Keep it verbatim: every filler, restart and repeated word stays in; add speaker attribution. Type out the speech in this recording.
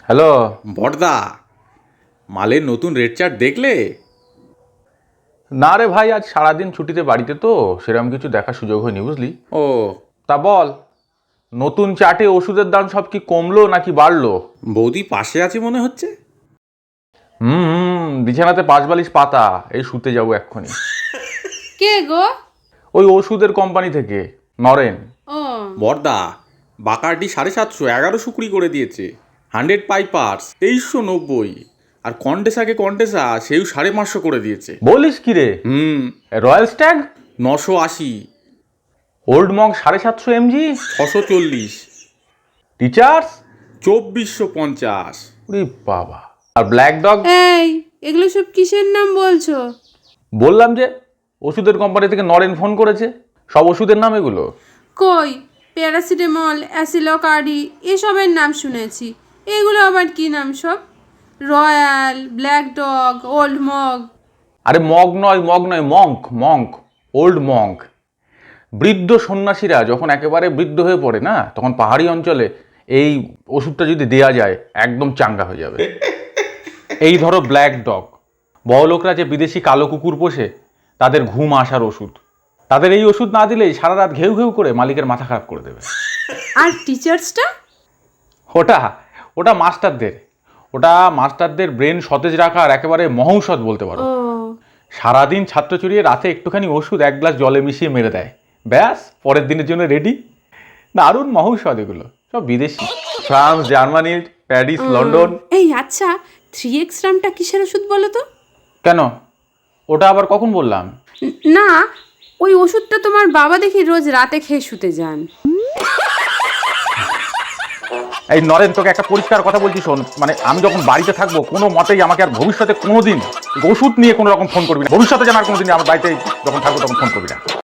Speaker 1: Hello.
Speaker 2: বড়দা, মালের নতুন rate chart দেখলে?
Speaker 1: না রে ভাই, আজ সারাদিন ছুটিতে বাড়িতে তো সেরকম কিছু দেখার সুযোগ হয়নি, বুঝলি।
Speaker 2: ও,
Speaker 1: তা বল, নতুন চার্টে ওষুধের দাম সব কি কমলো নাকি বাড়লো?
Speaker 2: বৌদি পাশে আছে মনে হচ্ছে।
Speaker 1: হুম হুম বিছানাতে পাঁচ বালিশ পাতা, এই শুতে যাবো এক্ষুনি।
Speaker 3: কে গো?
Speaker 1: ওই ওষুধের কোম্পানি থেকে, নরেন।
Speaker 3: ও
Speaker 2: বড়দা, বাকারডি সাড়ে সাতশো এগারো শুকুরি করে দিয়েছে। হান্ড্রেড পাইপার্স তেইশশো নব্বই, আর কন্টেসাকে কন্টেসা সেও সাড়ে পাঁচশো করে দিয়েছে।
Speaker 1: বলিস কি রে?
Speaker 2: হুম,
Speaker 1: রয়্যাল স্ট্যাগ
Speaker 2: নশো আশি,
Speaker 1: ওল্ড মঙ্ক সাড়ে সাতশো এমজি,
Speaker 2: ছশো চল্লিশ,
Speaker 1: টিচার্স
Speaker 2: চব্বিশশো পঞ্চাশ।
Speaker 1: ওরে বাবা। আর ব্ল্যাক ডগ?
Speaker 3: এই, এগুলো সব কিসের নাম বলছো?
Speaker 1: বললাম যে ওষুধের কোম্পানি থেকে নরেন ফোন করেছে, সব ওষুধের নাম এগুলো।
Speaker 3: কই, প্যারাসিটামল, অ্যাসিলোকার্ডি এসবের নাম শুনেছি। এগুলো আবার কি নাম সব? Royal, Black Dog, Old Mug.
Speaker 1: আরে মগ নয়, মগ নয়, মঙ্ক, মঙ্ক, ওল্ড মঙ্ক। বৃদ্ধ সন্ন্যাসীরা যখন একেবারে বৃদ্ধ হয়ে পড়ে না, তখন পাহাড়ি অঞ্চলে এই ওষুধটা যদি দেয়া যায় একদম চাঙ্গা হয়ে যাবে। এই ধরো ব্ল্যাক ডগ, বড়লোকরা যে বিদেশি কালো কুকুর পোষে তাদের ঘুম আসার ওষুধ। তাদের এই ওষুধ না দিলেই সারা রাত ঘেউ ঘেউ করে মালিকের মাথা খারাপ করে দেবে।
Speaker 3: আর টিচার্সটা?
Speaker 1: ওটা ওটা মাস্টারদের ওটা মাস্টারদের ব্রেন সতেজ রাখার একেবারে মহৌষধ বলতে পারো।
Speaker 3: ও
Speaker 1: সারাদিন ছাত্র চড়িয়ে রাতে একটুখানি ওষুধ এক গ্লাস জলে মিশিয়ে মেরে দেয়, ব্যাস পরের দিনের জন্য রেডি। দারুণ মহৌষধ এগুলো, সব বিদেশি। France, Germany, Paris, London.
Speaker 3: এই আচ্ছা, থ্রি এক্স রামটা কিসের ওষুধ বলো তো?
Speaker 1: কেন, ওটা আবার কখন বললাম?
Speaker 3: ন- না, ওই ওষুধটা তোমার বাবা দেখি রোজ রাতে খেয়ে শুতে যান।
Speaker 1: এই নরেন, তোকে একটা পরিষ্কার কথা বলছি শোন, মানে আমি যখন বাড়িতে থাকবো কোনো মতেই আমাকে আর ভবিষ্যতে কোনোদিন ওষুধ নিয়ে কোনো রকম ফোন করবি না। ভবিষ্যতে যেন আর কোনোদিন আমার বাড়িতে যখন থাকবো তখন ফোন করবি না।